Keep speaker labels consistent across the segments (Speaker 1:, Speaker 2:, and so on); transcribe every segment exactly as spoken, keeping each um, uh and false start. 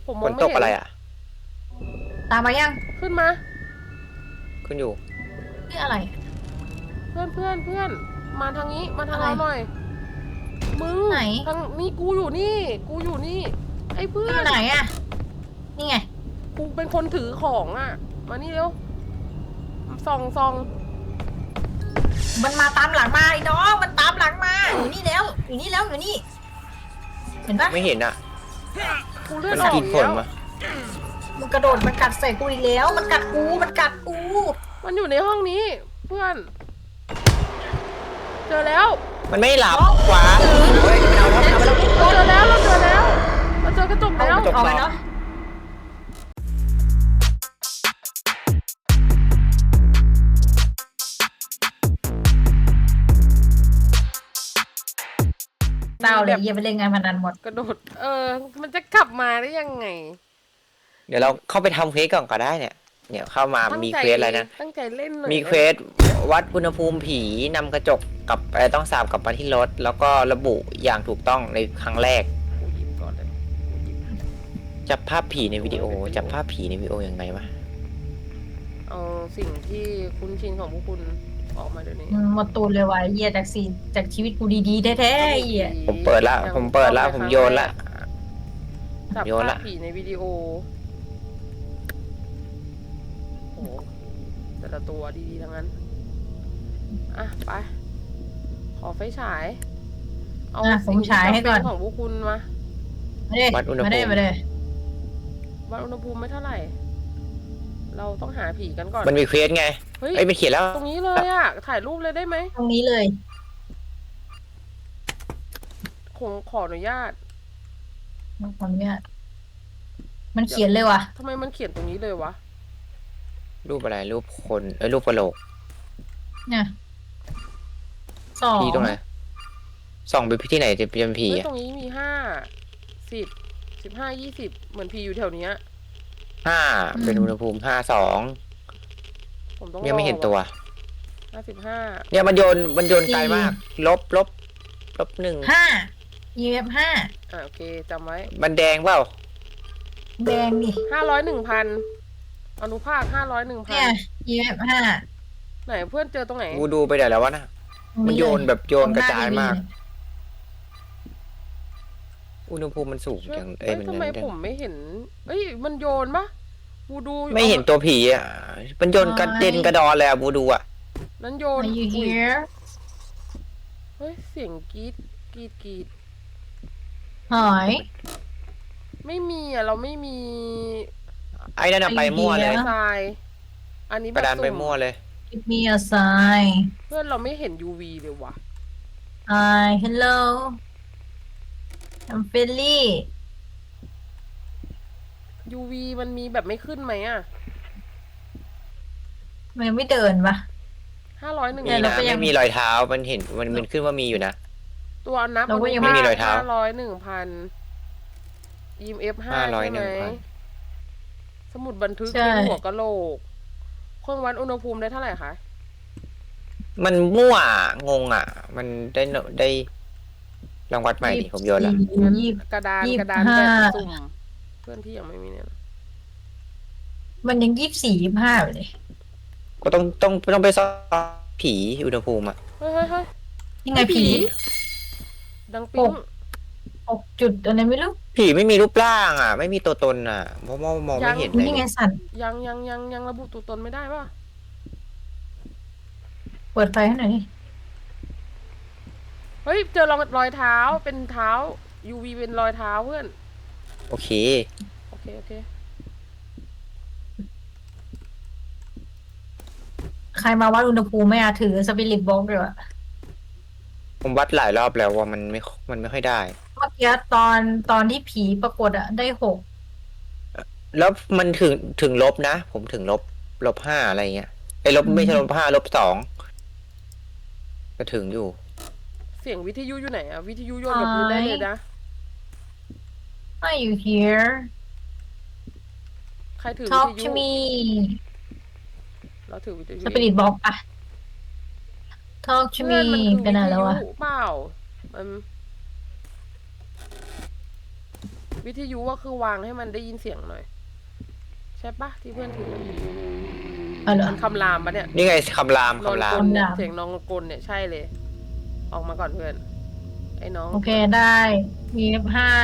Speaker 1: ผมม
Speaker 2: ฝน
Speaker 1: องไม่เห็น
Speaker 2: ตกอะไรอ่ะ
Speaker 3: ตามมายัง
Speaker 1: ขึ้นมา
Speaker 2: ขึ้นอยู่
Speaker 3: นี่อะไร
Speaker 1: เพื่อนเพื่อนเพื่อนมาทางนี้มาทาง
Speaker 3: อะไร
Speaker 1: เราหน่อยมึง
Speaker 3: ไหน
Speaker 1: ทางนี่กูอยู่นี่กูอยู่นี่ไอ้เพื่อ
Speaker 3: อยู่
Speaker 1: น
Speaker 3: ไหนอะนี่ไง
Speaker 1: กูเป็นคนถือของอ่ะมานี่เร็วส่องส่อง
Speaker 3: มันมาตามหลังมาไอ้น้องมันตามหลังมาอยู่นี่แล้วอยู่นี่แล้วอยู่นี่เห็นปะ
Speaker 2: ไม่เห็นอ่ะ
Speaker 1: กูเลือ
Speaker 2: มั
Speaker 1: ด
Speaker 2: น
Speaker 1: ออก
Speaker 2: กิน
Speaker 1: อีก
Speaker 2: ผล
Speaker 1: แล้ว
Speaker 2: มา
Speaker 3: มันกระโดดมันกัดใส่กูอีกแล้ว มันกัดกูมันกัดกู
Speaker 1: มันอยู่ในห้องนี้เพื่อน เจอแล้ว
Speaker 2: มันไม่หลับขวาเฮ้ยมันเอาแล้วมันเอาแล้ว
Speaker 1: เราเจอแล้วเราเจอแล้วเราเจอกระจกแล้ว
Speaker 2: กระจก
Speaker 3: เอาไปเนาะเศร้าเลยอย่าไปเล่นงานพนันหมด
Speaker 1: กระโดดเออมันจะกลับมาได้ยังไง
Speaker 2: เดี๋ยวเราเข้าไปทำเควสก่อนก็ได้เนี่ยเนี่ยเข้ามา
Speaker 1: ตั้ง
Speaker 2: มี
Speaker 1: ใจ
Speaker 2: เควสอะไรนะ
Speaker 1: ตั้งใจเล่นหน่อย
Speaker 2: มีเควสวัดอุณหภูมิผีนำกระจกกับอะไรต้องสาบกลับมาที่รถ แล้วก็ระบุอย่างถูกต้องในครั้งแรก
Speaker 1: กูหยิบก่อนเลยกูหยิบ
Speaker 2: จับภาพผีในวิดีโอ จับภาพผีในวิดีโอยังไงวะ
Speaker 1: เอาสิ่งที่คุ้นชินของพวกคุณออกมาเดี๋ยวนี้
Speaker 3: อืมหมดตูนเลยว่ะเหี้ยจากสีจากชีวิตกูดีๆแท้ๆไอ้เหี้ย
Speaker 2: ผมเปิดละผมเปิดละผมโยนละ
Speaker 1: จับ
Speaker 2: โยน
Speaker 1: ภา
Speaker 2: ละ
Speaker 1: พผีในวิดีโอโอ้โหแต่ละตัวดีๆทั้งนั้นอ่ะไปขอไฟฉายเอา
Speaker 3: อ่ะผมฉายให้ก่อน
Speaker 1: สิ่งที่จำเป็ของพวกคุณมา
Speaker 3: มาเด้
Speaker 2: วัดอุณหภูมิ
Speaker 3: มาเด้มาเด้
Speaker 1: วัดอุณหภูมิไม่เท่าไหร่ เราต้องหาผีกันก่อน
Speaker 2: มันมีเควสไง
Speaker 1: เฮ้ย
Speaker 2: เอ้ยมันเขียนแล้ว
Speaker 1: ตรงนี้เลยอะถ่ายรูปเลยได้ไหม
Speaker 3: ตรงนี้เลย
Speaker 1: คงขออนุญาต
Speaker 3: มันคนเนี่ยมันเขียนเลยว่ะ
Speaker 1: ทำไมมันเขียนตรงนี้เลยวะ
Speaker 2: รูปอะไรรูปคนเอ้ยรูปกระโหลก
Speaker 3: เนี่ยสอง
Speaker 2: ที่ตรงไหนส่องไปที่ไหนจะเป็นผี
Speaker 1: เฮ้ย
Speaker 2: อะ
Speaker 1: ตรงนี้มีห้าสิบสิบห้ายี่สิบเหมือนผีอยู่แถวเนี้ย
Speaker 2: ห้าเป็นอุณหภูมิห้าสอง
Speaker 1: ผมต้อง
Speaker 2: ยังไม่เห็นตัว
Speaker 1: ห้าสิบห้า
Speaker 2: เนี่ยมันโยนมันโยนไกลมาก ลบลบลบหนึ่ง
Speaker 3: ห้า e f ห้า
Speaker 1: อ่ะโอเคจำไว้
Speaker 2: มันแดงเปล่า
Speaker 3: แดงดิ
Speaker 1: ห้าร้อยหนึ่งพันอนุภาคห้าร้อยหนึ่งพั
Speaker 3: เนี่ย
Speaker 1: น
Speaker 3: e f ห้า
Speaker 1: ไหนเพื่อนเจอตรงไหน
Speaker 2: กูดูไปไหนแล้ววะนะมันโยนแบบโยนกระจายมาก อุณหภูมิมันสูง
Speaker 1: ช่วย
Speaker 2: จังเอ้
Speaker 1: เอ้
Speaker 2: ย
Speaker 1: ย
Speaker 2: มัน
Speaker 1: ทำไม
Speaker 2: มัน
Speaker 1: ผมไม่เห็น เอ้ยมันโยนปะบูดู
Speaker 2: ไม่เห็นตัวผีอ่ะมันโยนกระเด็นกระดอนเลยอ่ะบูดูอ่ะ
Speaker 1: นั้นโยน
Speaker 3: Are you
Speaker 1: อุ๊ย
Speaker 3: here
Speaker 1: เฮ้ยเสียงกรีดกรีดกรีด
Speaker 3: หอย
Speaker 1: ไม่มีอ่ะเราไม่มี
Speaker 2: ไอ้นั่นอะไปมั่วเลย
Speaker 1: ทรายอันนี้
Speaker 2: ก
Speaker 1: แบบ
Speaker 2: ระดานไป
Speaker 1: สุ่
Speaker 2: มั่วเลย
Speaker 3: give me a sign
Speaker 1: เพื่อนเราไม่เห็น ยู วี เลยวะ
Speaker 3: hi hello I'm friendly
Speaker 1: ยู วี มันมีแบบไม่ขึ้นไหมอ่ะ
Speaker 3: มันยังไม่เดินปะ
Speaker 1: ห้าร้อยหนึ่ง
Speaker 2: มี
Speaker 3: เนี่ยเรา
Speaker 2: นะ
Speaker 3: ก็ยัง
Speaker 2: ไม่มีรอยเท้ามันเห็นมันมันขึ้นว่ามีอยู่นะ
Speaker 1: ตัวนับ
Speaker 3: เราก็ยัง
Speaker 2: ไม่มีรอยเท้า
Speaker 1: ห้าร้อยหนึ่งพัน อี เอ็ม เอฟ ห้า
Speaker 2: ห้าร้อย
Speaker 1: ใช่ไหม
Speaker 2: หนึ่งพัน
Speaker 1: สมุดบันทึก
Speaker 3: ใช่
Speaker 1: เป็นหัวกะโหลกเครื่องวัดอุณหภูมิได้เท่าไหร่คะ
Speaker 2: มันมั่วงงอ่ะ มันได้โนได้ลองวัดใหม่ดิผมโยนละ
Speaker 3: ยี่สิบ
Speaker 1: กระดาน
Speaker 3: ยี่สิบ
Speaker 1: กระดาน
Speaker 3: ห้า
Speaker 1: แบบสุ่ม เพื่อนที่ยังไม่มีเนี่ยนะ
Speaker 3: มันยังยี่สิบสี่ยี่สิบห้าอยู่เลย
Speaker 2: ก็ต้องต้องต้องไปซ่อมผีอุณหภูมิอ่ะ
Speaker 1: เฮ้ยเฮ้ยเฮ้ย
Speaker 3: ยังไงผี
Speaker 1: ดังปิ๊ง
Speaker 3: หกจุดอะไรไม่รู้
Speaker 2: ผีไม่มีรูปร่างอ่ะ ไม่มีตัวตนอ่ะเพราะว่ามองไม่เห็นเลย
Speaker 3: นี่ไงสัตว์
Speaker 1: ยังยังยังยังระบุตัวตนไม่ได้ป่ะ
Speaker 3: เปิดไฟให้หน่อยดิ
Speaker 1: เฮ้ย เจอรอยรอยเท้าเป็นเท้า ยู วี เป็นรอยเท้าเพื่อน
Speaker 2: โอเค
Speaker 1: โอเค โอเค
Speaker 3: ใครมาวัดอุณหภูมิไม่อาถือสปิริตบ็อกเลยวะ
Speaker 2: ผมวัดหลายรอบแล้วว่ามันไม่มันไม่ค่อยได้
Speaker 3: เมื่อกี้ตอนตอนที่ผีปรากฏอะได้หก
Speaker 2: แล้วมันถึงถึงลบนะ ผมถึงลบลบห้าอะไรเงี้ยไอ้ลบไม่ใช่ลบห้าลบสองก็ถึงอยู่
Speaker 1: เสียงวิทยุอยู่ไหนอะวิทยุโยนกับพื้นได้เลยนะ
Speaker 3: Are you here
Speaker 1: ใครถือ
Speaker 3: Talk
Speaker 1: วิท
Speaker 3: to
Speaker 1: ยุ
Speaker 3: me
Speaker 1: เราถือวิทยุ
Speaker 3: สปิริตบ็อกอะ Talk to
Speaker 1: เพื่
Speaker 3: me
Speaker 1: อนมันคือ
Speaker 3: เป็นอะไรแล้ววะ
Speaker 1: วิทยุเปล่ามันวิทยุก็คือวางให้มันได้ยินเสียงหน่อย ใช่ปะที่เพื่อนถือ
Speaker 3: เอาเหรอ
Speaker 1: มันคำรามปะเนี่ย
Speaker 2: นี่ไงคำราม
Speaker 1: นอน
Speaker 2: คำราก ม
Speaker 1: ลเนี่ย
Speaker 3: คำราม
Speaker 1: เสียงนอนกลเนี่ยใช่เลย ออกมาก่อนเพื่อน ไอ้น้อง
Speaker 3: โอเคได้มีห้า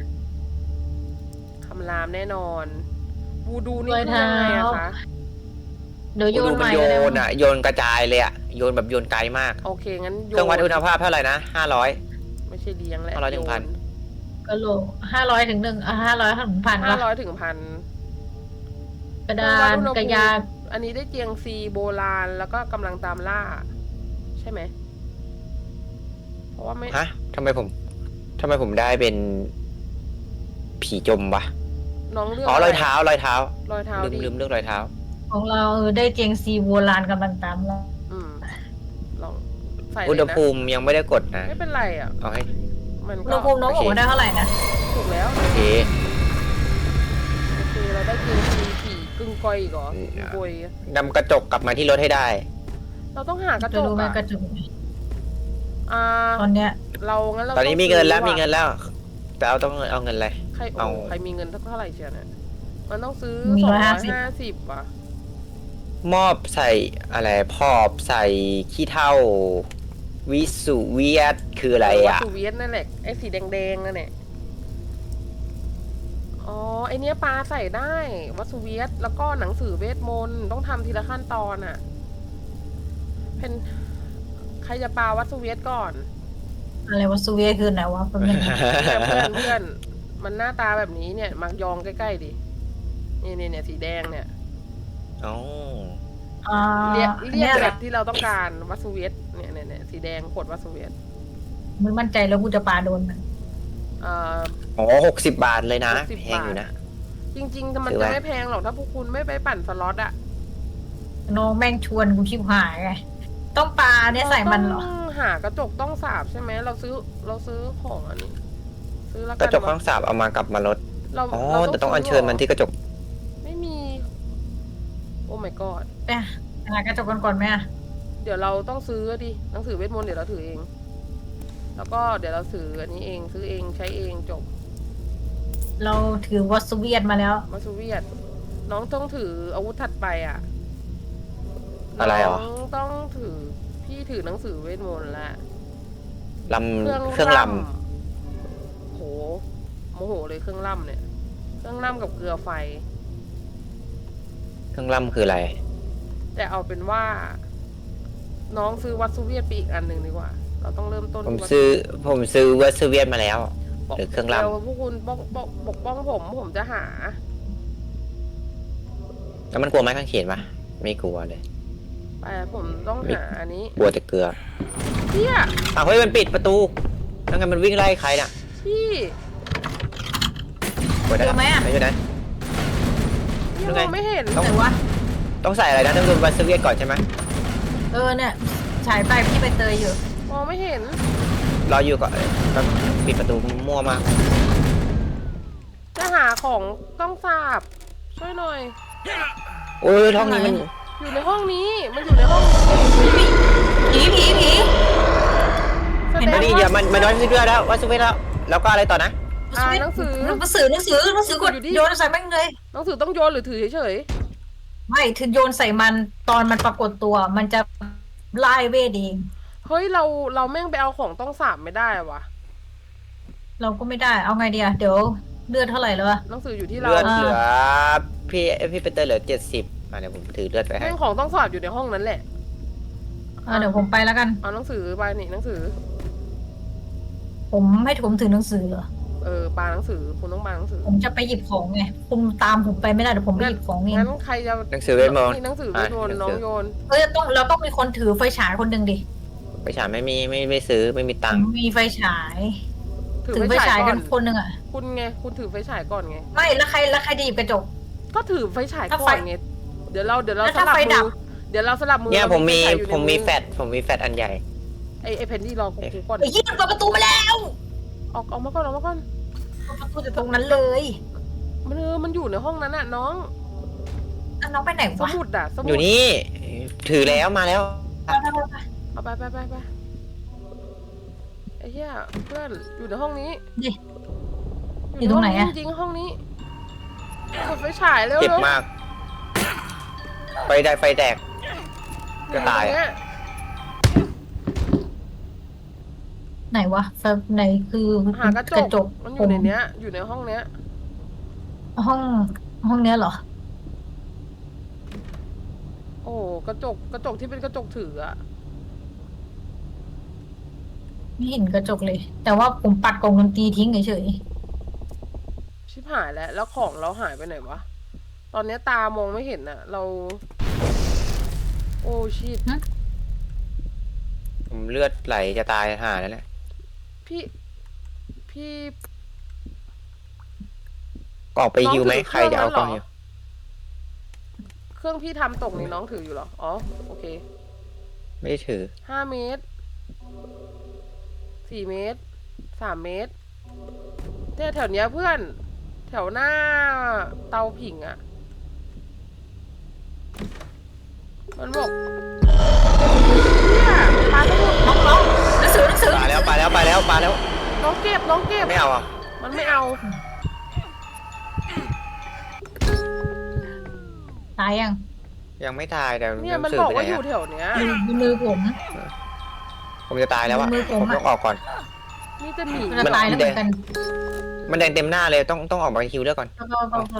Speaker 1: คำรามแน่นอนวูดูนี่
Speaker 3: รอย
Speaker 1: คือยังไงอะ
Speaker 3: เท้า
Speaker 1: คะ
Speaker 3: เดี๋ยวโย
Speaker 2: ดู
Speaker 3: น
Speaker 2: มั
Speaker 3: ให
Speaker 2: น
Speaker 3: ม่
Speaker 2: โย
Speaker 3: ก็ได้
Speaker 2: นอ่ะโยนกระจายเลยอ่ะโยนแบบโยนไกลมาก
Speaker 1: โอเคงั้นโย
Speaker 2: เครื่องวัดอุณหภาพเท่าไหร่นะห้าร้อย
Speaker 1: ไม่ใช่เลี้ยงแหละ
Speaker 2: ห้าร้อยถึงพัน
Speaker 3: กะโหลกห้าร้อยถึงหนึ่งอ่ะห้าร้อยถึงพัน
Speaker 1: ห้าร้
Speaker 3: วะ
Speaker 1: อยถึงพัน
Speaker 3: กระดานกระยา
Speaker 1: อันนี้ได้เจียงซีโบราณแล้วก็กำลังตามล่า ใช่ไหม เพราะว่าไม่
Speaker 2: ฮะทำไมผมทำไมผมได้เป็นผีจมวะ
Speaker 1: น้องเลือก
Speaker 2: อ๋อรอยเท้ารอยเท้า
Speaker 1: รอยเท้า
Speaker 2: ลืม
Speaker 1: ดี
Speaker 2: ลืมเลือกรอยเท้า
Speaker 3: ของเราเออได้เจียงซีโบราณกำลังตามเรา
Speaker 1: อืมลองใส่เล
Speaker 2: อุณ
Speaker 1: ย
Speaker 2: ห
Speaker 1: นะ
Speaker 2: ภูมิยังไม่ได้กดนะ
Speaker 1: ไม่เป็นไรอ่ะ
Speaker 2: เอาให้
Speaker 1: มัน
Speaker 3: อุณ
Speaker 1: ก็
Speaker 3: หภูมิน้องบอกว่าได้เท่าไหร่นะ
Speaker 1: ถูกแล้ว
Speaker 2: โอเค
Speaker 1: โอเคเราได้เจียงซีผีกึ่งก้อยอีกเหรอ
Speaker 2: อืม
Speaker 1: กึ่งกอย
Speaker 2: นำกระจกกลับมาที่รถให้ได้
Speaker 1: เราต้องหากระจ
Speaker 3: จะ
Speaker 1: ก
Speaker 3: รู้ไหม
Speaker 1: อ่ะ
Speaker 3: กระจุก
Speaker 1: อ่า
Speaker 3: ตอนเนี้ย
Speaker 1: เรางั้นเรา
Speaker 2: ตอนนี้
Speaker 1: ง
Speaker 2: มีเงินแล้ว
Speaker 1: ซื้อ
Speaker 2: มีเงินแล้ว แต่เอาต้องเอาเงินอะไร
Speaker 1: ใครโอ้
Speaker 2: เอา
Speaker 1: ใครมีเงินเท่าไหร่เชียวเนี่ยมันต้องซื้อ
Speaker 3: มี
Speaker 1: สอง
Speaker 3: ร้อย
Speaker 1: ร้
Speaker 3: ห้า
Speaker 1: อย
Speaker 3: สิบ
Speaker 1: ห้าสิบอ่ะ
Speaker 2: มอบใส่อะไรพอบใส่ขี้เท่า วิสุเวียดคืออะไร
Speaker 1: วัต
Speaker 2: อ่ะ
Speaker 1: ถุเวียดนั่นแหละไอ้สีแดงๆนั่นแหละอ๋อไอเนี้ยปลาใส่ได้วัตถุเวียดแล้วก็หนังสือเวทมนต์ต้องทำทีละขั้นตอนอ่ะ เป็นใครจะปลาวัตถุเวียดก่อน
Speaker 3: อะไรวะซูเวียคือไหนวะเป็นยังไง
Speaker 1: เพื่อนเพื่อนเพื่อนมันหน้าตาแบบนี้เนี่ยมักยองใกล้ๆดินี่เนี่ยเนี่ยสีแดงเนี่ย
Speaker 2: อ๋อ
Speaker 3: อ่า
Speaker 1: เรียกเรีย
Speaker 3: เนี่
Speaker 1: ก
Speaker 3: ยแห
Speaker 1: แบ
Speaker 3: ละ
Speaker 1: บที่เราต้องการวัตถุเวียดเนี่ยเนี่ยเนี่ยสีแดงขวดวัตถุเวียด
Speaker 3: ไม่มั่นใจแล้วกูจะปาโดนมัน
Speaker 1: เอ่อ
Speaker 2: อ๋อหกสิบบาทเลยนะ
Speaker 1: หกสิบ
Speaker 2: แพงอยู่นะ
Speaker 1: จริงๆมัน
Speaker 2: ถือ
Speaker 1: จะ
Speaker 2: ว่า
Speaker 1: ไม่แพงหรอกถ้าพวกคุณไม่ไปปั่นสล็อตอะ
Speaker 3: น้องแม่งชวนกูชิบหายไงต้องปาเนี่ยใส่มันเหรอ
Speaker 1: ต้องหากระจกต้องสาบใช่ไหมเราซื้อเราซื้อของอันนี้ ซื้อแล้ว
Speaker 2: ก
Speaker 1: กั
Speaker 2: ระ
Speaker 1: น
Speaker 2: จกข้างสาบเอามากลับมารถ
Speaker 1: เรา
Speaker 2: อ๋อ
Speaker 1: เรา
Speaker 2: แต่ต้องอัญเชิญมันที่กระจก
Speaker 1: ไม่มี โอ้ my god
Speaker 3: เนี่ยหากระจกกันก่อนไหมอะ
Speaker 1: เดี๋ยวเราต้องซื้อดิหนังสือเวทมนต์เดี๋ยวเราถือเอง แล้วก็เดี๋ยวเราซื้ออันนี้เองซื้อเองใช้เองจบ
Speaker 3: เราถือวอสเวียตมาแล้ว
Speaker 1: มาซูเวียตน้องต้องถืออาวุธถัดไปอ่ะ
Speaker 2: อะไรเหรอ
Speaker 1: น้องต้องถือพี่ถือหนังสือเวทมนต์ละ
Speaker 2: ล
Speaker 1: เครื่อง
Speaker 2: ำเครื่องล
Speaker 1: ล่ำโหโมโหเลยเครื่องล่ำเนี่ย เครื่องล่ำกับเกลือไฟ
Speaker 2: ำเครื่องลำคืออะไร
Speaker 1: แต่เอาเป็นว่า น้องซื้อวัตซูเวียตไปอีกอันหนึ่งดีกว่า เราต้องเริ่มต้น
Speaker 2: ผม
Speaker 1: ที่วัต
Speaker 2: ซื้อผมซื้อเวอร์ซเวียนมาแล้ว
Speaker 1: บอก
Speaker 2: หรือเครื่องล่ำ
Speaker 1: ดี๋ยวพวกคุณปกปกปกป้องผมผมจะหา
Speaker 2: แล้วมันกลัวไหมข้างเขียนปะไม่กลัวเลย
Speaker 1: ไปผมต้องหาอันนี้
Speaker 2: กลัวแต่เกลือ
Speaker 1: เพี่ย
Speaker 2: อ้าวเฮ้ยมันปิดประตูแล้วไงมันวิ่งไล่ใครน่ะ
Speaker 1: พี่
Speaker 2: กลัวได้
Speaker 3: เจอไหมอะ
Speaker 2: ไม่ใช่นะ
Speaker 1: พี่
Speaker 2: ยัง
Speaker 1: ม
Speaker 2: ไง
Speaker 1: องไม่เห็น
Speaker 2: ต้อง
Speaker 3: ไหนวะ
Speaker 2: ต้องใส่อะไรนะต้องดูเวอร์ซเวียนก่อนใช่ไหม
Speaker 3: เออเนี่ยฉายไปพี่ไปเตยอยู่
Speaker 1: มองไม่เห็น
Speaker 2: รออยู่ก่อนแป๊บปิดประตูมั่วมาก
Speaker 1: จะหาของต้องสาบ ช่วยหน่อย
Speaker 2: โอ้ยท้องนี้มัน
Speaker 1: อยู่ในห้องนี้ มันอยู่ในห้องนี้
Speaker 3: ผีผีผี
Speaker 1: แส
Speaker 3: เห็
Speaker 1: ด
Speaker 3: น
Speaker 1: ง
Speaker 3: ไหม
Speaker 2: นี่
Speaker 1: ว่า
Speaker 2: เดี๋ยวมันมันวัดซเวียนแล้ววัดซเวียนแล้วแล้วก็อะไรต่อนะ
Speaker 1: อ่านหนังสือ
Speaker 3: หนังสือหนังสือหนังสือกด
Speaker 1: อยู่ดิ
Speaker 3: โยนใส่แม่งเลย
Speaker 1: หนังสือต้องโยนหรือถือเฉย
Speaker 3: ไม่ถึงโยนใส่มันตอนมันปรากฏตัว มันจะไล่เวทเอง
Speaker 1: ๆ เฮ้ยเราเราแม่งไปเอาของต้องสาบไม่ได้วะ
Speaker 3: เราก็ไม่ได้เอาไงดีอะเดี๋ยวเลือดเท่าไหร่แล้วอะ
Speaker 1: หนังสืออยู่ที่เรา
Speaker 2: เลือด
Speaker 3: อ่า
Speaker 2: เหลือพี่พี่เปเตอร์เหลือเจ็ดสิบอ่ะเดี๋ยวผมถือเลือดไปให้
Speaker 1: แม่งของต้องสาบอยู่ในห้องนั้นแหละ
Speaker 3: อ่ะเดี๋ยวผมไปแล้วกัน
Speaker 1: เอาหนังสือไปนี่หนังสือ
Speaker 3: ผมให้ผมถือหนังสือเหรอ
Speaker 1: เออปาหนังสือคุณต้องปาหนังสือ
Speaker 3: ผมจะไปหยิบของไงคุณตามผมไปไม่ได้เดี๋ยวผมไปหยิบของเอง
Speaker 1: งั้นใครจะ
Speaker 2: หนังสือเวทมนต์
Speaker 1: นี่หนังสือเวทมนต์
Speaker 2: อ่ะ
Speaker 1: น้อง
Speaker 2: หนังสือ
Speaker 1: โยน
Speaker 3: เอ้ยต้องเราต้องมีคนถือไฟฉายคนหนึ่งดิ
Speaker 2: ไปฉายไม่มีไม่ไม่ซื้อไม่มีตังค์
Speaker 3: มีไฟฉาย
Speaker 1: ถือ
Speaker 3: ถือ
Speaker 1: ไฟ
Speaker 3: ไฟ
Speaker 1: ฉา
Speaker 3: ฉาย ย
Speaker 1: ก่
Speaker 3: กั
Speaker 1: อน
Speaker 3: นคนหนึ่งอะ
Speaker 1: คุณไงคุณถือไฟฉายก่อนไง
Speaker 3: ไม่แล้วใครแล้วใครจะหยิบกระจก
Speaker 1: ก็ถือไฟฉาย
Speaker 3: ถ้า
Speaker 1: ก่
Speaker 3: ไฟ
Speaker 1: อนไงเดี๋ยวเราเดี๋ยวเรา
Speaker 3: แล้ว
Speaker 1: ส
Speaker 3: ถ้า
Speaker 1: ลับ
Speaker 3: ไฟดั
Speaker 1: มื
Speaker 3: บ
Speaker 1: อเดี๋ยวเราสลับมือ
Speaker 2: เนี่ย
Speaker 1: รา
Speaker 2: ผมมี
Speaker 1: ไฟฉายอยู่ใน
Speaker 2: ผมมี
Speaker 1: อ
Speaker 2: แฟดผมมีแฟดอันใหญ่
Speaker 1: ไอไอเพนที่รอกูกูก่อน
Speaker 3: ไอ้ยี่มันเปิดประตูมาแล้ว
Speaker 1: ออกออกมาก่อนออกมาก่อน
Speaker 3: เปิดประตูจากตรงนั้นเลย
Speaker 1: มันเออมันอยู่ในห้องนั้นน่ะน้อง
Speaker 3: อ่ะน้องไปไหน
Speaker 1: ส
Speaker 3: วะ
Speaker 1: มุดอ่ะสมุด
Speaker 2: อยู่นี่ถือแล้วมาแล้ว
Speaker 3: ไปไปไปไป
Speaker 1: เอาไปไปไปไปไอ้เหี้ยเพื่อนอยู่ในห้องนี้
Speaker 3: ดิ
Speaker 1: อยู่
Speaker 3: อยู่ตรงไหนอะ
Speaker 1: จริงๆห้องนี้กดไฟฉายเร็วๆ
Speaker 2: เจ็บมาก ไฟได้ไฟแตก
Speaker 1: อยู่
Speaker 2: จะตาย
Speaker 1: รง
Speaker 2: อะ
Speaker 1: เนี้
Speaker 3: ไหนวะแบบไหนคือ
Speaker 1: หากระจกมันอยู่ในเนี้ย อยู่ในห้องเนี้ย
Speaker 3: ห้องห้องเนี้ยเหรอ
Speaker 1: โอ้กระจกกระจกที่เป็นกระจกถืออะ
Speaker 3: ไม่เห็นกระจกเลย แต่ว่าผมปัดกล่องดนตรีทิ้งเฉย
Speaker 1: ชิบหายแล้วแล้วของเราหายไปไหนวะตอนเนี้ยตามองไม่เห็นอะเรา โอ้ชิต
Speaker 2: ผมเลือดไหลจะตายห่าแล้วแหละ
Speaker 1: พี่พี่
Speaker 2: ออกไปฮิวไหม
Speaker 1: น้องถือ
Speaker 2: ใครจะเอา
Speaker 1: เค
Speaker 2: ก
Speaker 1: รื่
Speaker 2: ล้
Speaker 1: อ
Speaker 2: อง ง
Speaker 1: นั้นเหรอ
Speaker 2: ฮิว
Speaker 1: เครื่องพี่ทำตกนี่น้องถืออยู่เหรออ๋อโอเค
Speaker 2: ไม่ได้ถือ
Speaker 1: ห้าเมตรสี่เมตรสามเมตรเนี่ยแถวเนี้ยเพื่อน แถวหน้าเตาผิงอะมันบอกเนี่ยปลาสมุด
Speaker 3: ๆน้องน้องหนังสือหนังสือ
Speaker 2: ปาแล้วปาแล้วปาแล้วปาแล้ว
Speaker 1: น้องเก็บน้องเก็บ
Speaker 2: ไม่เอาอ่ะ
Speaker 1: มันไม่เอา
Speaker 3: ตายยัง
Speaker 2: ยังไม่ตายแต่
Speaker 1: เนี่ยมัน
Speaker 2: สื่
Speaker 1: บอก
Speaker 2: ไป
Speaker 1: ว่า
Speaker 2: ไหน
Speaker 1: อยู่
Speaker 2: อะ
Speaker 1: แถวเนี้ย
Speaker 3: อยู่ในมือผม
Speaker 2: ผมจะตายแล้วอ่ะ
Speaker 3: มือผ
Speaker 2: ผม ม
Speaker 3: อะ
Speaker 2: ต้องออกก่อน
Speaker 1: นี่จะหนี
Speaker 3: จะตายแล้วเหมือนกัน
Speaker 2: มันแดงเต็มหน้าเลยต้องต้องออกมาฮิวเลือดก่อน
Speaker 3: ก็ก็ก็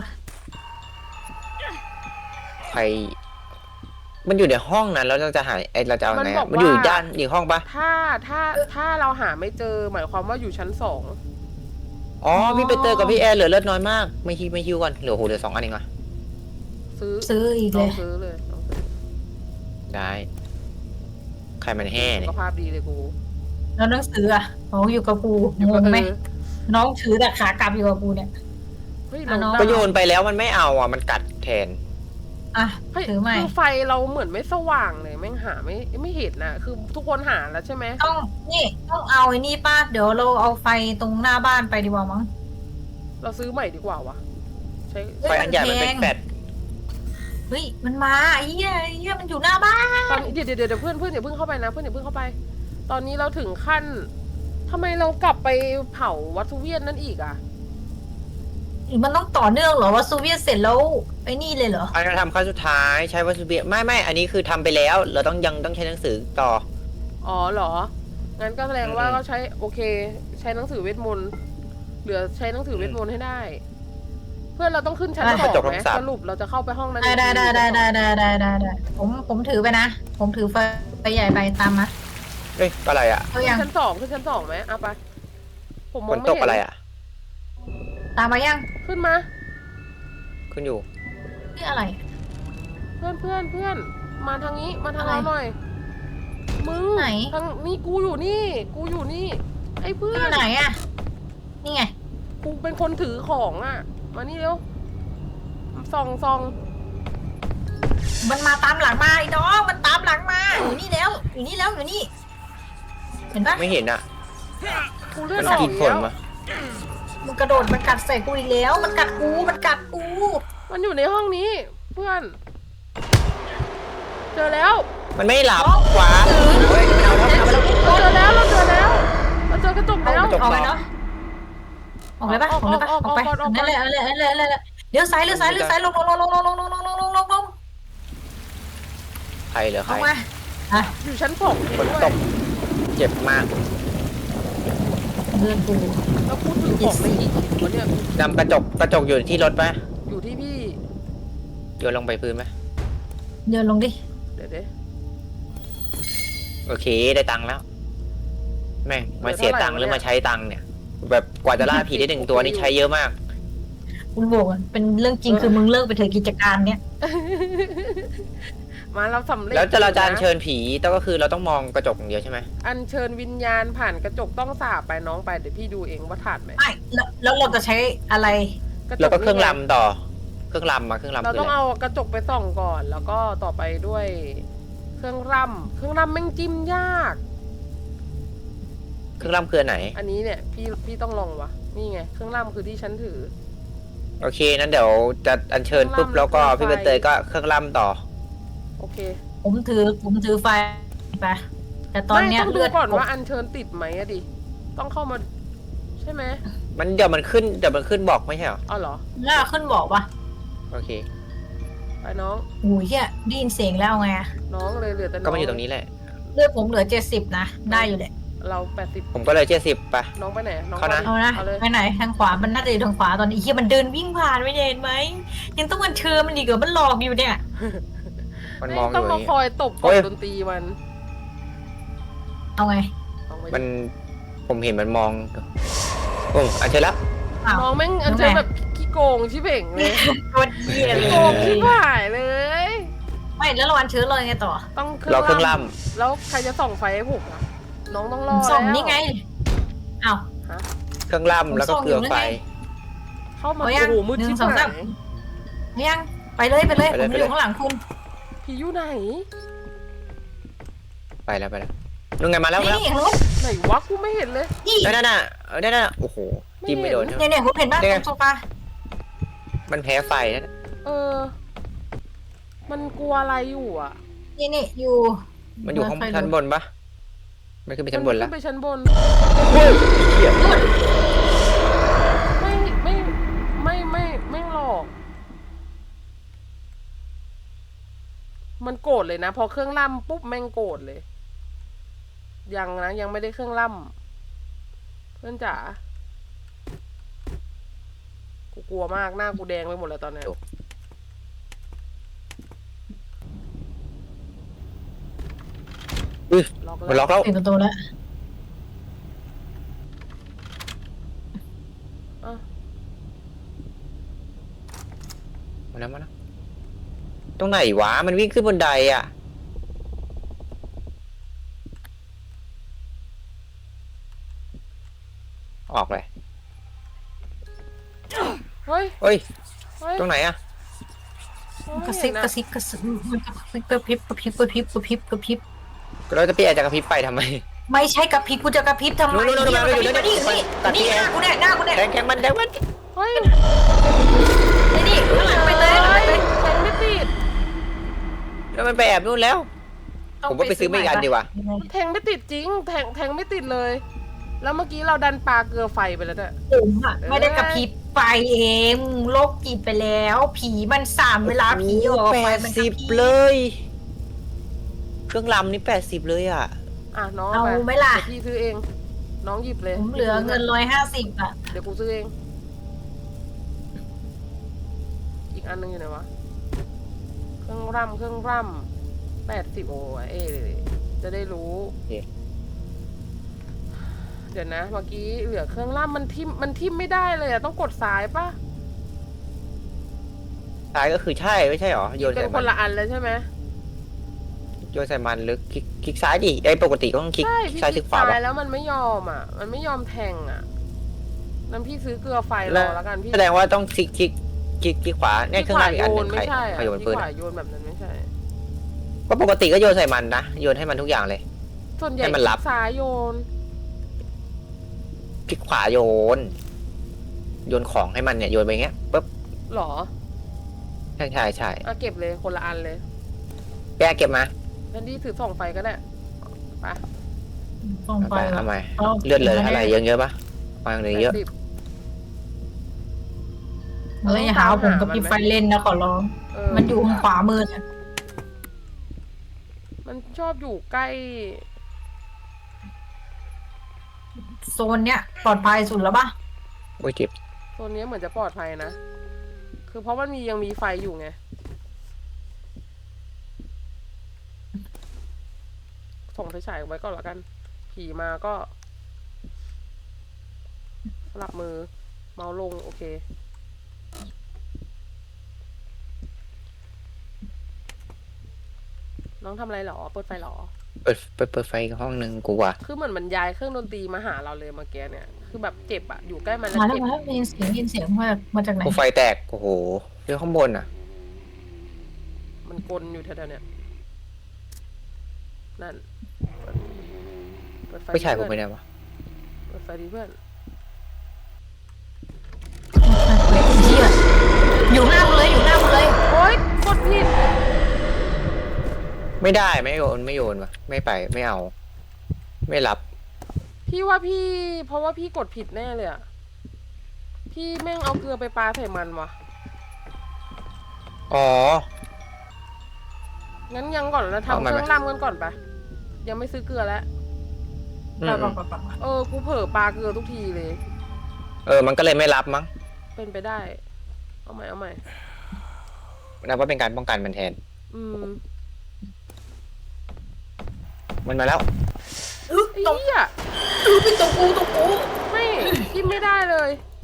Speaker 2: ใคร มันอยู่ในห้องนั้นแล้วเราจะหาไอเราจะเอาไงอะมันอยู่ด้านอีกห้องปะ
Speaker 1: ถ้าถ้าถ้าเราหาไม่เจอหมายความว่าอยู่ชั้นสอง
Speaker 2: อ๋อพี่ไปเตอร์กับพี่แอร์เหลือเลือดน้อยมากไม่ฮิวไม่ฮิวก่อนเหลือโหเหลือสองอันเองอ่ะ
Speaker 1: ซื้อ
Speaker 3: ซื้ออีก
Speaker 1: ล
Speaker 3: เล
Speaker 1: อง
Speaker 3: ย
Speaker 1: ซื้อเลยลองซื้อ
Speaker 2: ได้ ใครมันแห่
Speaker 1: สุ
Speaker 2: เนี่
Speaker 1: ข
Speaker 2: ย
Speaker 1: ภาพดีเลยกู
Speaker 3: แล้วหนังสืออ่ะโอ้อยู่กับกู
Speaker 1: อยู่
Speaker 3: ง
Speaker 1: กับ
Speaker 3: งไหม
Speaker 1: เออ
Speaker 3: น้องถือแต่ขากลับอยู่กับกูเนี่ย
Speaker 1: เฮ้ย
Speaker 3: อ่ะน้อง
Speaker 1: เรา
Speaker 2: ก็โยนไปแล้วมันไม่เอาอ่ะมันกัดแทน
Speaker 3: อ่ะ
Speaker 1: เฮ้ย
Speaker 3: ถือใหม่
Speaker 1: คือไฟเราเหมือนไม่สว่างเลยแม่งหาไม่ไม่เห็นนะคือทุกคนหาแล้วใช่ไหม
Speaker 3: ต้องนี่ต้องเอาไอ้นี่ป้าเดี๋ยวเราเอาไฟตรงหน้าบ้านไปดีกว่ามั้ง
Speaker 1: เราซื้อใหม่ดีกว่าวะใช้
Speaker 3: เฮ้ย
Speaker 2: ไฟอันใหญ่มันเป็น
Speaker 3: มันแพง
Speaker 2: แฟลช
Speaker 3: เฮ้ยมันมาไอ้เหี้ยไอ้เหี้ยมันอยู่หน้าบ้าน
Speaker 1: ตอนนี้เดี๋ยวเดี๋ยวเดี๋ยวเพื่อนเพื่อนอย่าเพิ่งเข้าไปนะเพื่อนอย่าเพิ่งเข้าไป ตอนนี้เราถึงขั้นทำไมเรากลับไปเผาวัตถุเวียนนั่นอีกอ่ะ
Speaker 3: หรือมันต้องต่อเนื่องเหรอว่าซูเวียตเสร็จแล้วไอ้นี่เลยเหรอ
Speaker 2: อันนี้ทำขั้นสุดท้ายใช้วัสดุเบียไม่ไม่อันนี้คือทำไปแล้ว เราต้องยังต้องใช้หนังสือต่อ
Speaker 1: อ๋อเหรอ งั้นก็แสดงว่า
Speaker 2: อืม
Speaker 1: ก็ใช้โอเค ใช้หนังสือเวทมนต์เหลือใช้หนังสือเวทมนต์ให้ได้ เพื่อนเราต้องขึ้นชั้น
Speaker 3: อ่ะ
Speaker 1: สอง
Speaker 2: กระจก
Speaker 1: ไหม
Speaker 2: ทั้งสาม
Speaker 1: สรุปเราจะเข้าไปห้องนั้น
Speaker 3: ได้ได้ได้
Speaker 1: อีกที
Speaker 3: ได้ได้ได้ได้ได้ได้ผมผมถือไปนะ ผมถือไฟไฟใหญ่ไปตามมา
Speaker 2: เฮ้ยอะไรอ่ะ
Speaker 3: เอา
Speaker 1: ขึ้
Speaker 3: ยัง
Speaker 1: นชั้นสองขึ้นชั้นสองไหมเอาไป ผมม
Speaker 2: ฝ
Speaker 1: อง
Speaker 2: น
Speaker 1: ไม่
Speaker 2: ตก
Speaker 1: เห็น
Speaker 2: อะไรอ่ะ
Speaker 3: ตามมายัง
Speaker 1: ขึ้นมา
Speaker 2: ขึ้นอยู่
Speaker 3: นี่อะไร
Speaker 1: เพื่อนเพื่อนเพื่อนมาทางนี้มาทาง
Speaker 3: อะไร
Speaker 1: เราหน่อย มึง
Speaker 3: ไหน
Speaker 1: ทางนี่กูอยู่นี่ กูอยู่นี่ ไอ้เพื่อ
Speaker 3: ที่
Speaker 1: น
Speaker 3: ไหนอ่ะนี่ไง
Speaker 1: กูเป็นคนถือของอ่ะ มานี่เร็วส่องส่อง
Speaker 3: มันมาตามหลังมาไอ้น้องมันตามหลังมาอยู่นี่แล้วอยู่นี่แล้วอยู่นี่ เห็นปะ
Speaker 2: ไม่เห็นอ่ะ
Speaker 1: กูเลือ
Speaker 2: มั
Speaker 1: ด
Speaker 2: น
Speaker 1: ออก
Speaker 2: กิน
Speaker 1: อีก
Speaker 2: ผล
Speaker 1: แล้ว
Speaker 2: มา
Speaker 3: มันกระโดดมันกัดใส่กูอีกแล้ว มันกัดกูมันกัดกู
Speaker 1: มันอยู่ในห้องนี้ เพื่อน เจอแล้ว
Speaker 2: มันไม่หลับขวาเฮ้ยไม่เอาแล้วไม่เอาแล้ว
Speaker 1: เราเจอแล้วเราเจอแล้ว เราเจอกระจก
Speaker 3: เอา
Speaker 1: แล้ว
Speaker 2: กระจก
Speaker 3: ออกไปเนาะออกเลยปะออกเลยปะ
Speaker 1: ออก
Speaker 3: อ
Speaker 1: อ
Speaker 3: อ
Speaker 1: อก
Speaker 3: กไป
Speaker 1: ออกออก
Speaker 3: นั่นเลยนั่นเลยนั่นเลยนั่นเลยเลี้ยวซ้ายเลี้ยวซ้ายเลี้ยวซ้ายลงลงลงลงลงลงลงลงลงลงลง
Speaker 2: ใครเหรอใคร
Speaker 3: เอามาอ่ะ
Speaker 1: อยู่ชั้นสอง
Speaker 2: ฝนตกเจ็บมาก
Speaker 3: เลื่อนกู
Speaker 1: แล้วพูดถึงของในอีกวะเนี่ย
Speaker 2: นำกระจกกระจกอยู่ที่รถปะ
Speaker 1: อยู่ที่พี่
Speaker 2: โยนลงไปพื้นไหม
Speaker 3: เดินลงดิ
Speaker 1: เดี๋ยวเดี๋ยว
Speaker 2: โอเคได้ตังค์แล้วแม่งมาเสียตังค์หรือมาใช้ตังค์เนี่ย แบบกว่าจะล่าผีได้หนึ่งตัวนี่ใช้เยอะมาก
Speaker 3: คุณบอกอ่ะเป็นเรื่องจริงคือมึงเลิกไปเถอะกิจการเนี้ย
Speaker 1: มาเราสำเร็จ
Speaker 2: แล้วจะเราจะอัญ
Speaker 1: นะ
Speaker 2: เชิญผีต้องก็คือเราต้องมองกระจกอย่างเดียวใช่ไหม
Speaker 1: อัญเชิญวิญญาณผ่านกระจกต้องสาบไปน้องไปเดี๋ยวพี่ดูเองว่าถาดไหม
Speaker 3: ไม่แล้วแล้วเราจะใช้อะไร
Speaker 1: ระจ
Speaker 2: แล้วก็เครื่อง
Speaker 1: นี่ไ
Speaker 2: ลำต่อ เครื่องลำมาเครื่องลำ
Speaker 1: เรา
Speaker 2: คือ
Speaker 1: ต้อง
Speaker 2: อะไร
Speaker 1: เอากระจกไปส่องก่อน แล้วก็ต่อไปด้วย เครื่องรำเครื่องรำแม่งจิ้มยาก
Speaker 2: เครื่องลำคืออนไหน
Speaker 1: อันนี้เนี่ยพี่พี่ต้องลองวะนี่ไงเครื่องรำคือที่ฉันถือ
Speaker 2: โอเคนั้นเดี๋ยวจะอัญเชิญปุ๊บ
Speaker 1: เครื่องรำ
Speaker 2: แล้วก็
Speaker 1: เครื่
Speaker 2: พี่
Speaker 1: องไฟ
Speaker 2: ใบเตยก็เครื่องลำต่อ
Speaker 1: โอเค
Speaker 3: ผมถือผมถือไฟไปแต่ตอนเนี้ย
Speaker 1: ไม่ต้องดู
Speaker 3: เลือด
Speaker 1: ก่อนว่าอัญเชิญติดไหมอะดิต้องเข้ามา ใช่ไหม
Speaker 2: มันเดี๋ยวมันขึ้นเดี๋ยวมันขึ้นบอกไม่ใช่เหรอ
Speaker 1: อ๋อเหรอ
Speaker 3: น่าขึ้นบอกว่า
Speaker 2: โอเค
Speaker 1: ไปน้อง
Speaker 3: โอ้ยเฮียได้ยินเสียงแล้วไง
Speaker 1: น้องเลยเหลือแต่น้อง
Speaker 2: ก็มาอยู่ตรงนี้แหละ
Speaker 3: เลือดผมเหลือเจ็ดสิบนะได้อยู่แหละ
Speaker 1: เราแปดสิบ
Speaker 2: ผมก็เลยเจ็ดสิบไป
Speaker 1: น้องไปไหนน้อง
Speaker 2: เข้านะ
Speaker 3: เอานะ
Speaker 1: เอาเลย
Speaker 3: ไปไหนทางขวามันน่าจะอยู่ทางขวาตอนนี้เฮียมันเดินวิ่งผ่านไม่เห็นไหมยังต้องมันเชิญมันอีกเหรอมันหลอกอยู่เนี่ย
Speaker 2: มันมองอ
Speaker 1: ต้อง
Speaker 2: ยู่อ
Speaker 1: มา
Speaker 2: ย่าง
Speaker 1: ค
Speaker 2: งี้
Speaker 1: อยตบ
Speaker 2: โอ้
Speaker 1: กด
Speaker 2: ย
Speaker 1: ดนตรีมัน
Speaker 3: เอาไง
Speaker 1: น้องไป
Speaker 2: มันผมเห็นมันมองโอ้อันเชิญแล้ว
Speaker 3: อ้าว
Speaker 1: น้องแม่งอันเจอแบบขี้โกงชิเป่งเลย
Speaker 3: โคตรเฮียเล
Speaker 1: ขี้โกงชิบ
Speaker 3: ย
Speaker 1: หายเลย
Speaker 3: ไม่แล้วเราวันเชื้อเลยไงต่อ
Speaker 1: ต้องเค
Speaker 2: รอเครื่
Speaker 1: รื่
Speaker 2: อ
Speaker 1: อง ง
Speaker 2: ล่
Speaker 1: ล่ำแล้วใครจะส่องไฟให้ผมอะน้องต้องรอ
Speaker 3: ส่ง
Speaker 1: แล้ว
Speaker 3: นี่ไงอ้าว
Speaker 1: ฮะ
Speaker 2: ำเครื่องล่ำแล้วก็
Speaker 3: ผมส่ง
Speaker 2: เกลือ
Speaker 3: อยู่
Speaker 2: ไฟ
Speaker 3: นั่นไง
Speaker 1: เข้ามา
Speaker 3: เอายัง
Speaker 1: โอ้โหมืด
Speaker 3: หนึ่
Speaker 1: ชิ
Speaker 3: ง
Speaker 1: บ
Speaker 3: สอง
Speaker 1: หา
Speaker 3: สาม
Speaker 1: ย
Speaker 3: ยังไปเลยไปเลย
Speaker 2: ไป
Speaker 3: ผ
Speaker 2: เลย
Speaker 3: ม
Speaker 2: ไป
Speaker 3: อ
Speaker 2: เลย
Speaker 3: ยู่ข้างหลังคุณ
Speaker 1: ผีอยู่ไหน
Speaker 2: ไปแล้วไปแล้วนู่นไงมาแล้วมาแล้ว
Speaker 3: นี่เห็นไหม
Speaker 1: ไหนวะกูไม่เห็นเลย
Speaker 3: นี่
Speaker 2: นั่นน่ะเออนั่นน่ะโอ้โหจิ้มไม่โดน
Speaker 3: เนี่ยเนี่ยผมเห็นบ้านตรงโซฟา
Speaker 2: มันแพ้ไฟนั่น
Speaker 1: เออ มันกลัวอะไรอยู่อ่ะ
Speaker 3: นี่นี่อยู่
Speaker 2: มันอยู่ข้างชั้นบนปะมันขึ้นไปชั้นบนแล้ว
Speaker 1: มัขึ้นไปชั้นบน
Speaker 2: เฮ้ยเหี้ย
Speaker 1: ไม่ไม่ไม่ไม่ไม่หลอก มันโกรธเลยนะ พอเครื่องล่ำปุ๊บแม่งโกรธเลย ยังนะยังไม่ได้เครื่องล่ำเพื่อนจ๋ากูกลัวมากหน้ากูแดงไปหมดแล้วตอนเนี้ยล็อก
Speaker 2: มัน
Speaker 1: แล้
Speaker 2: ล็
Speaker 1: ว
Speaker 2: อกแล้ว
Speaker 3: ปิดประตูแล้ว
Speaker 1: อ่ะ
Speaker 2: มาแล้วมาแล้วตรงไหนวะมันวิ่งขึ้นบนไดอ่ะออกเลย
Speaker 1: เฮ้ย
Speaker 2: เฮ้ย
Speaker 1: เฮ้ย
Speaker 2: ตรงไหนอ่ะ
Speaker 3: กระซิบกระซิบกระซิบมันกระซิบกระพริบกระพริบกระพริบกระพริบกระพริบ
Speaker 2: เราจะเปลี่ยนจากกระพริบไปทำไม
Speaker 3: ไม่ใช่กระพริบกูจะกระพริบทำไม
Speaker 2: นู่นๆๆ
Speaker 3: เนี่ย
Speaker 2: ๆอยู่
Speaker 3: กระพริบ
Speaker 2: อยู่
Speaker 3: มานี่
Speaker 2: ตัดที่
Speaker 3: นี่หน้ากูเนี่ยหน้ากูเนี่ย
Speaker 2: แทงแทงมันแทงมัน
Speaker 1: เฮ้ย
Speaker 3: นี่นี่ข้างหลังไปเลยข้างหลังไปเลย
Speaker 1: แทงไม่ติด
Speaker 2: แล้วมันไปแอบนู่นแล้ว ผมว่าไปซื้อไม่กันดีกว่า
Speaker 1: แทงไม่ติดจริง แทงแทงไม่ติดเลย แล้วเมื่อกี้เราดันปลาเกลือไฟไปแล้วเนี่ย
Speaker 3: ผมอะไม่ได้กระพริบไฟเองโลกจิตไปแล้ว ผีมันสามเวลาผีออก
Speaker 2: แป
Speaker 3: ไป
Speaker 2: ด
Speaker 3: มันก
Speaker 2: สิ
Speaker 3: ระ
Speaker 2: บ
Speaker 3: พริบ
Speaker 2: เลย เครื่องลำนี่แปดสิบเลยอ่ะ
Speaker 1: อ่ะน้อง
Speaker 3: เอา
Speaker 1: ไป
Speaker 3: ไหมล่ะ
Speaker 1: เดี๋ยวพี่ซื้อเอง น้องหยิบเลย
Speaker 3: ผมเหลือเงินร้อยห้าสิบอะ
Speaker 1: เดี๋ยวกูซื้อเอง อีกอันหนึงอยู่ไหนวะ เครื่องร่ำเครื่องร่ำแปดสิบโอ้ยเอ๊ะจะได้รู้
Speaker 2: โอเค
Speaker 1: เดี๋ยวนะ เมื่อกี้เหลือเครื่องร่ำมันทิมมันทิมไม่ได้เลยอะต้องกดซ้ายปะ
Speaker 2: ซ้ายก็คือใช่ไม่ใช่หรอโยน
Speaker 1: เป็
Speaker 2: ใส่
Speaker 1: นค
Speaker 2: มัน
Speaker 1: นละอันเลยใช่ไหม
Speaker 2: โยนใส่มันหรือคลิกคลิกซ้ายดิไอ้ปกติก็ต้องคลิก
Speaker 1: ใช่
Speaker 2: คลิก
Speaker 1: พี่
Speaker 2: ซ้าย
Speaker 1: ค
Speaker 2: ค
Speaker 1: ลิ
Speaker 2: ลิ
Speaker 1: ก
Speaker 2: กขวา
Speaker 1: ซ้า
Speaker 2: ปะ
Speaker 1: ยแล้วมันไม่ยอมอ่ะ มันไม่ยอมแทงอ่ะนั้นพี่ซื้อเกลือไฟร
Speaker 2: แล้ว
Speaker 1: อแล้วกันพี่
Speaker 2: แสดงว่าต้องคลิกคลิกคลิกคลิกขวาเนี่ยเครื่อง
Speaker 1: ข
Speaker 2: ล่า
Speaker 1: วาง
Speaker 2: อีก
Speaker 1: โย
Speaker 2: อันหนึ
Speaker 1: น
Speaker 2: งใคร
Speaker 1: ไม่ใช่
Speaker 2: ใค
Speaker 1: อ่ะ
Speaker 2: รโยน
Speaker 1: พี่
Speaker 2: ปืน
Speaker 1: ขวา
Speaker 2: อะ
Speaker 1: โยนแบบนั้นไม่ใช่
Speaker 2: ก็ปกติก็โยนใส่มันนะโยนให้มันทุกอย่างเลย
Speaker 1: ส่วนใหญ่
Speaker 2: ให้มันรับ
Speaker 1: คลิกซ้ายโยน
Speaker 2: คลิกขวาโยน โยนของให้มันเนี่ยโยนไปอย่างเงี้ยปุ๊บ
Speaker 1: หรอ
Speaker 2: ใช่ใช่ใช่
Speaker 1: อ่ะเก็บเลยคนละอันเลย
Speaker 2: แกเก็บมา
Speaker 1: แทนที่ถือส่องไฟก็ได้ไป
Speaker 3: ส่ง
Speaker 2: เอา
Speaker 3: ไป
Speaker 2: ไปเอา
Speaker 3: อะ
Speaker 2: ใหม่
Speaker 3: เอา
Speaker 2: เลือดเหลืออะไรเยอะเยอะๆปะวางเลยเยอะ
Speaker 1: แปดสิบ
Speaker 3: เฮ้ยอย่าหาว่าผมกับพี่ไฟเล่นนะขอร้อง
Speaker 1: เออ
Speaker 3: มันอยู่ทางขวามือเนี่ย
Speaker 1: มันชอบอยู่ใกล้
Speaker 3: โซนเนี้ยปลอดภัยสุดแล้วปะ
Speaker 2: โอ้ยเจ็บ
Speaker 1: โซนนี้เหมือนจะปลอดภัยนะ คือเพราะมันมียังมีไฟอยู่ไง ส่งไฟฉายไว้ก่อนละกัน ผีมาก็สลับมือ เมาส์ลง โอเค น้องทำอะไรหรอ เปิดไฟหรอ
Speaker 2: เปิดเปิดเปิดไฟอีกห้องหนึ่งกูว่ะ
Speaker 1: คือเหมือนมันย้ายเครื่องดนตรีมาหาเราเลยเมื่อกี้เนี่ย คือแบบเจ็บอะอยู่ใกล้มันแล้ว
Speaker 3: มาแล้ว
Speaker 1: เจ็บ
Speaker 3: มาแล้วได้ยินเสียงได้ยินเสียงมาจากมาจากไหน
Speaker 2: กูไฟแตกโอ้โหเดี๋ยวข้างบนอ่ะ
Speaker 1: มันกลอยู่แถวๆเนี้ยนั่น เปิดไฟ
Speaker 2: ไม่ใช่ผม
Speaker 1: ดิ
Speaker 2: ไม่
Speaker 1: เพื่อน
Speaker 2: ได้วะ
Speaker 1: เปิดไฟดีเพื่อน
Speaker 3: เหี้ยอยู่หน้ากูเลยอยู่หน้ากูเลย
Speaker 1: โอ๊ยกดผิด
Speaker 2: ไม่ได้ไม่โยนไม่โยนวะไม่ไปไม่เอา ไม่รับ
Speaker 1: พี่ว่าพี่ เพราะว่าพี่กดผิดแน่เลยอะพี่แม่งเอาเกลือไปปาใส่มันวะ
Speaker 2: อ๋อ
Speaker 1: งั้นยังก่อนนะ
Speaker 2: เอา
Speaker 1: ทำ
Speaker 2: มา
Speaker 1: เค
Speaker 2: ไหม
Speaker 1: รื่องรำกันก่อนปะยังไม่ซื้อเกลือแล้ว
Speaker 2: อื
Speaker 3: ปะ
Speaker 2: ม
Speaker 3: ปะปะปะปะ
Speaker 1: เออ กูเผลอปลาเกลือทุกทีเลย
Speaker 2: เออ มันก็เลยไม่รับมั้ง
Speaker 1: เป็นไปได้ เอาใหม่เอาใหม่
Speaker 2: นับว่าเป็นการป้องกันมันแทน
Speaker 1: อืม
Speaker 2: มันมาแล้ว
Speaker 3: อึ๊ก
Speaker 1: ไอ้
Speaker 3: ตรง
Speaker 1: เหี้ย
Speaker 3: อึ๊กเป็นตัวกูตัวกู
Speaker 1: ไม่กินไม่ได้เลย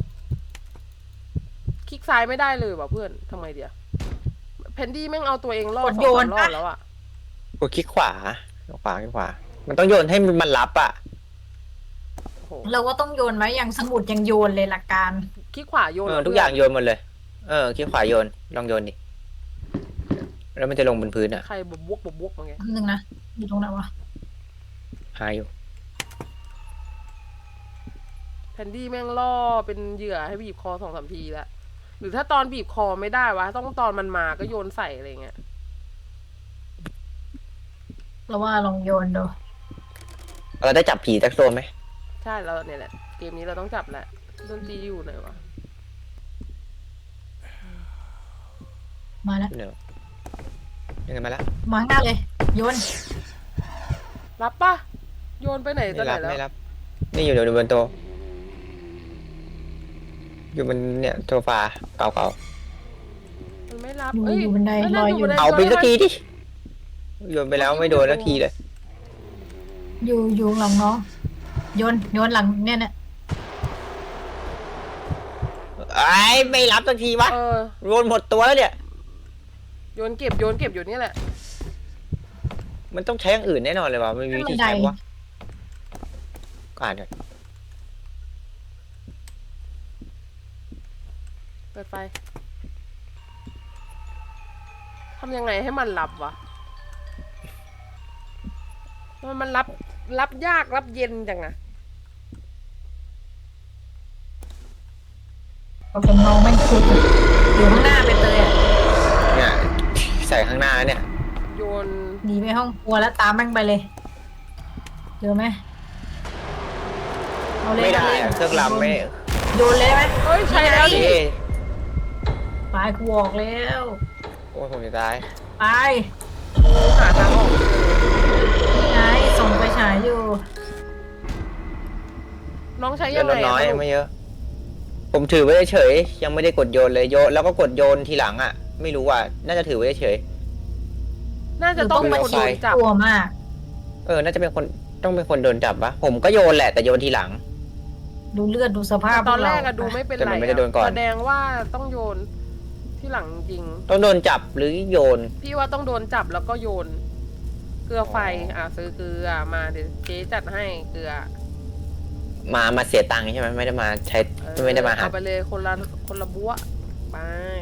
Speaker 1: คลิกซ้ายไม่ได้เลยว่ะเพื่อนทำไงเดียวเพนดี้แม่งเอาตัวเองรอดสองสามรอบแล้วอะ
Speaker 2: กดคลิกขวาขวาคลิกขวา มันต้องโยนให้มันรับอ่ะ
Speaker 1: โอ้โห
Speaker 3: เราก็ต้องโยนไว้อย่างสมุดยังโยนเลยหลักการ
Speaker 1: คลิกขวาโยน
Speaker 2: เออ
Speaker 1: เหร
Speaker 2: ทุกอย่างโยนหมดเลย เออ คลิกขวาโยน ลองโยนดิ แล้วมันจะลงบนพื้นอ่ะ
Speaker 1: ใครบบวกบบวกมาไง
Speaker 3: อันนึงนะอยู่ตรงไหนวะ
Speaker 2: หาอยู่
Speaker 1: เพนดี้แม่งล่อเป็นเหยื่อให้บีบคอสองสามทีแล้วหรือถ้าตอนบีบคอไม่ได้วะต้องตอนมันมาก็โยนใส่อะไรเงี้ย
Speaker 3: เราว่าลองโยนดู
Speaker 2: เราได้จับผีสักตัวไหม
Speaker 1: ใช่แล้วเนี่ยแหละเกมนี้เราต้องจับแหละดนตรีอยู่ไหนวะ
Speaker 3: มาแล้ว
Speaker 2: เดี๋ยวยังไงมาแล้ว
Speaker 3: มาข้างหน้าเลย โยน
Speaker 1: รับปะโยนไปไหนตอ
Speaker 2: ไม่
Speaker 1: นไหน
Speaker 2: รับ
Speaker 1: แล้ว
Speaker 2: ไม่รับ นี่อยู่เดี๋ยวบนโต๊ะอยู่บนเนี่ยโซฟาเก่า
Speaker 1: มันไม่รับ
Speaker 3: อยู่
Speaker 1: เอ้ย
Speaker 3: อยู่บันได
Speaker 1: เอ้ย
Speaker 3: ลอยอยู่
Speaker 1: นั่น
Speaker 2: ๆ เอาไป
Speaker 1: โยน
Speaker 2: สัก
Speaker 1: ให้
Speaker 2: ที
Speaker 1: มัน
Speaker 2: ดิโยนไปแล้วไม่โดนสักทีเลย
Speaker 3: อยู่อยู่หลังน้องโยนโยนหลังเนี่ยเนี่ย
Speaker 2: ไอ้ยไม่รับสักทีวะ
Speaker 1: เออ
Speaker 2: โยนหมดตัวแล้วเนี่ย
Speaker 1: โยนเก็บโยนเก็บอยู่นี่แหละ
Speaker 2: มันต้องใช้อย่างอื่นแน่นอนเลยวะไม่มีวิธีใช้วะก็อ่านกัน
Speaker 1: เปิดไฟทำยังไงให้มันรับวะมันมันรับรับยากรับเย็นจังอะ
Speaker 3: ก็เป็นน้องแม่งคุดอยู่ข้างหน้าไปเลยอ่ะ
Speaker 2: เนี่ยใส่ข้างหน้าเนี่ย
Speaker 1: โยน
Speaker 3: หนีไปห้องครัวแล้วตามแม่งไปเลยเจอไหมเอาเลย
Speaker 2: ไม่ได้
Speaker 3: าลย
Speaker 2: อะเครื่องลำไม่
Speaker 3: โยนเลยไหม
Speaker 1: เฮ้ยใช่แล้วดิ
Speaker 2: เอ้ย
Speaker 3: ไปกูออกแล้ว
Speaker 2: โอ้ยผมจะตาย
Speaker 3: ไป
Speaker 1: หาทางออกเจอ
Speaker 3: นี่ไงส่งไปฉายอยู่
Speaker 1: น้องใช้
Speaker 2: เลื
Speaker 1: ยั
Speaker 2: อด
Speaker 1: ง
Speaker 2: ล
Speaker 1: ไง
Speaker 2: ดน้อย
Speaker 1: อะ
Speaker 2: ไม่เยอะ ผมถือไว้เฉยๆยังไม่ได้กดโยนเลยโยนแล้วก็กดโยนทีหลังอ่ะ ไม่รู้ว่าน่าจะถือไว้เฉย
Speaker 1: น่าจะต้องเป็นคนโดนจับ
Speaker 3: กลัวมาก
Speaker 2: เออน่าจะเป็นคนต้องเป็นคนโดนจับวะผมก็โยนแหละแต่โยนทีหลัง
Speaker 3: ดูเลือดดูสภาพ
Speaker 1: ตอนแรก
Speaker 3: พว
Speaker 1: อะ
Speaker 3: เา
Speaker 1: ดูไม่เป็น
Speaker 2: แต่
Speaker 1: ไร
Speaker 2: มันไม่ได้โดนก่อน
Speaker 1: แสดงว่าต้องโยนที่หลังจริง
Speaker 2: ต้องโดนจับหรือโยน
Speaker 1: พี่ว่าต้องโดนจับแล้วก็โยน เกลือไฟ อ่ะซื้อเกลือมาเดี๋ยวเจ๊จัดให้เกลือ
Speaker 2: มามาเสียตังค์ใช่ไหมไม่ได้มาใช้
Speaker 1: เออ
Speaker 2: ไม่ได้มาหา
Speaker 1: เอาไปเลยคนละคนละบัวไป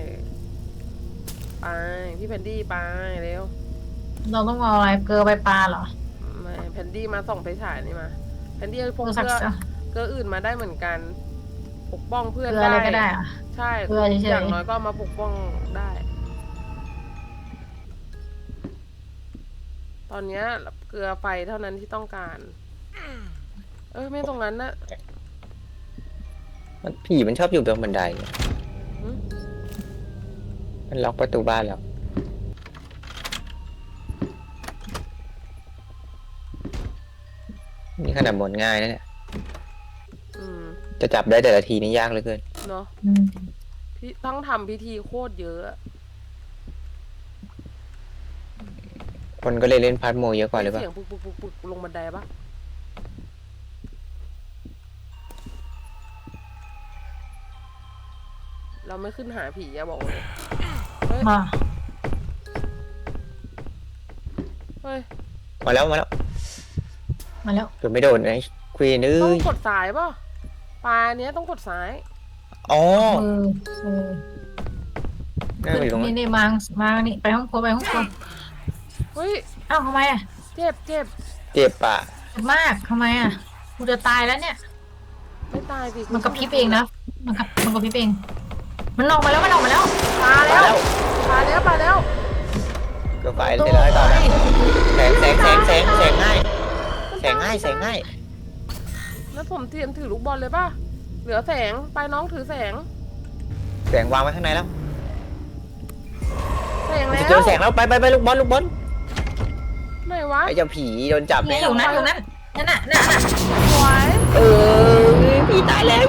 Speaker 1: ไปพี่แพนดี้ไปเร็ว
Speaker 3: เราต้องเอาอะไรเกลือไปปลาเหรอ
Speaker 1: ไม่แพนดี้มาส่องไฟฉายนี่มาแพนดี้พก
Speaker 3: สั
Speaker 1: เก
Speaker 3: ก
Speaker 1: ลือเกลืออื่นมาได้เหมือนกัน ปกป้องเพื่อน
Speaker 3: เกลืออะไรก็ได้อะ
Speaker 1: ใช่
Speaker 3: เกลือเฉยๆ
Speaker 1: อย่างน้อยก็มาปกป้องได้ ตอนเนี้ยเกลือไฟเท่านั้นที่ต้องการ เอ้ยไม่ตรงนั้นนะ
Speaker 2: มันผีมันชอบอยู่บนบันได
Speaker 1: หึ
Speaker 2: มันล็อกประตูบ้านแล้วนี่ขนาดบนง่ายนะเนี่ย
Speaker 1: อืม
Speaker 2: จะจับได้แต่ละทีนี่ยากเหลือเกิน
Speaker 1: เนาะ
Speaker 3: อืม
Speaker 1: พี่ต้องทำพิธีโคตรเยอะอะ
Speaker 2: คนก็เลยเล่นพาร์ทโมเยอะกว่าหรือเปล่า
Speaker 1: เสียงปุกปุกปุกปุกลงบันไดปะเราไม่ขึ้นหาผีอะบอกเลยเฮ้ย
Speaker 3: มา
Speaker 1: เฮ้ย
Speaker 2: มาแล้วมาแล้ว
Speaker 3: มาแล้ว
Speaker 2: โดนไม่โดนไอ้ควีนเอ้
Speaker 1: ต้อง
Speaker 2: ย
Speaker 1: กดซ้ายป่ะปลาเนี้ยต้องกดซ้าย
Speaker 2: อ๋อ
Speaker 3: เออเออ
Speaker 2: นั่งอยู่ตรงนั้
Speaker 3: นี่
Speaker 2: น
Speaker 3: นี่มามานี่ไปห้องครัวไปห้องครัว
Speaker 1: เฮ้ย
Speaker 3: เอ้าทำไมอ่ะ
Speaker 1: เจ็บเจ็บ
Speaker 2: เจ็บปะ
Speaker 3: เจ็บมากทำไมอ่ะกูจะตายแล้วเนี่ย
Speaker 1: ไม่ตายสิ
Speaker 3: มันกระพริบเองนะมันกระมันกระพริบเองมันออกมาแล้วมันออกมาแล้ว
Speaker 1: ปลาแล้วปลาแล้วปลาแล้ว
Speaker 2: ก็ไฟเสร็จแล้วให้ต่อนะแสงแสงแสงแสงแสงง่ายแสงง่ายแสงง่าย
Speaker 1: แล้วผมเตรียมถือลูกบอลเลยป่ะเหลือแสงไปน้องถือแสง
Speaker 2: แสงวางไว้ข้างในแล้ว
Speaker 1: แสงแล้ว
Speaker 2: จะเจอแสงแล้วไปไปไปลูกบอลลูกบอล
Speaker 1: ไหนวะ
Speaker 2: ไอ้เจ้าผีโดนจับ
Speaker 3: นี่
Speaker 2: แน่
Speaker 3: อยู่นั่นอยู่นั่นนั่นน่ะนั่นน่ะ
Speaker 1: สวย
Speaker 2: เออผีตายแล้ว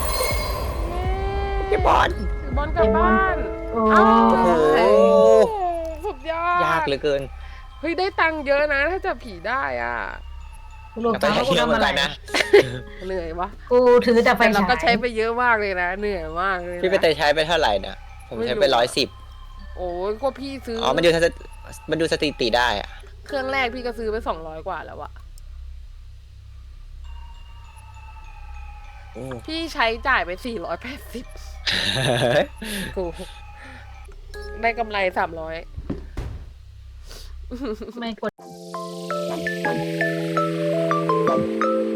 Speaker 2: เก็บบอล
Speaker 1: ถือบอลกลับบ้าน
Speaker 3: โอ้
Speaker 1: เอ้า
Speaker 2: โอ้โห
Speaker 1: สุดยอด
Speaker 2: ยากเหลือเกิน
Speaker 1: เฮ้ยได้ตังค์เยอะนะถ้าจับผีได้อ่ะ
Speaker 3: กูรู้
Speaker 2: แต่
Speaker 3: จัก
Speaker 2: ก็
Speaker 3: ว่ากู
Speaker 2: เชื่อเห
Speaker 3: ทำ
Speaker 2: มือ
Speaker 3: อะ
Speaker 2: น
Speaker 3: ไร
Speaker 2: กันนะ
Speaker 1: เหนื่อยวะ
Speaker 3: กูถือแต่ไฟ
Speaker 1: แต่เรา
Speaker 3: ฉาย
Speaker 1: ก็ใช้ไปเยอะมากเลยนะเหนื่อยมากเลยนะ
Speaker 2: พี่ไปเตยใช้ไปเท่าไหร่นะผมใช้ไป
Speaker 1: ไม่รู้
Speaker 2: ร้อยสิบ
Speaker 1: โอ้ยก็พี่ซื้อ
Speaker 2: อ๋
Speaker 1: อ๋
Speaker 2: อมันดูสถิมันดูสถิติได้อะ
Speaker 1: เครื่องแรกพี่ก็ซื้อไปสองร้อยกว่าแล้วอะ
Speaker 2: โอ้
Speaker 1: พี่ใช้จ่ายไปสี่ร้อยแปดสิบกูได้กำไรสามร้อย
Speaker 3: ไม่กด